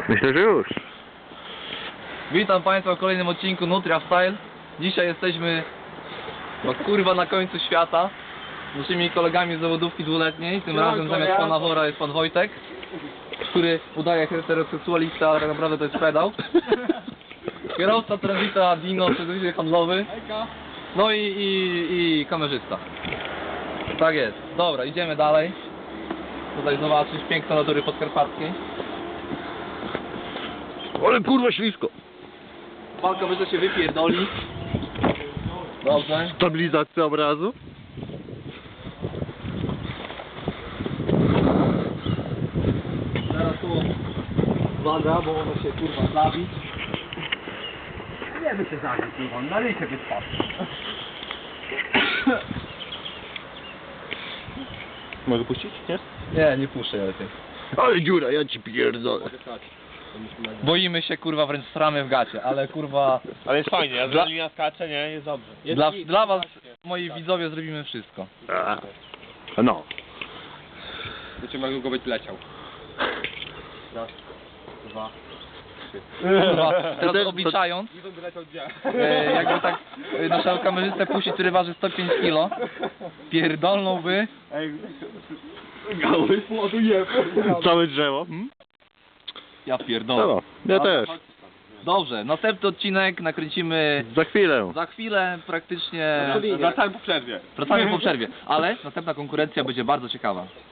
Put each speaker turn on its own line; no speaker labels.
Myślę, że już.
Witam Państwa w kolejnym odcinku Nutria Style. Dzisiaj jesteśmy no kurwa na końcu świata z naszymi kolegami z zawodówki dwuletniej. Tym razem zamiast pana Wora jest pan Wojtek, który udaje heteroseksualista, ale tak naprawdę to jest pedał. Kierowca Transita Dino, serwis handlowy. No i kamerzysta. Tak jest. Dobra, idziemy dalej. Tutaj zobaczysz piękne natury podkarpackiej.
Ale kurwa ślisko.
Pan kamerzysta się wypierdoli. Dobrze.
Stabilizacja obrazu.
Teraz tu uwaga, bo ono się kurwa zabić. Nie by się zabić, kurwa, na ryjkę wypadł.
Mogę puścić? Nie?
Nie puszczę lepiej.
Ale dziura, ja ci pierdolę.
Boimy się kurwa, wręcz stramy w gacie, ale kurwa
Ale jest fajnie, adrenalina skacze, nie? Jest dobrze.
dla was, moi widzowie, zrobimy wszystko.
No.
Zobaczymy jak długo będzie leciał.
Raz, dwa, trzy. Kurwa, teraz obliczając,
Będę leciał gdzie?
jakby tak naszego kamerzystę puścić, który waży 105 kg, pierdolnąłby.
Ej, gały, ładuję.
Całe drzewo. Hmm?
Ja pierdolę.
No, ja też.
Dobrze, następny odcinek nakręcimy
Za chwilę.
praktycznie.
Wracałem po przerwie.
Wracamy po przerwie, ale następna konkurencja będzie bardzo ciekawa.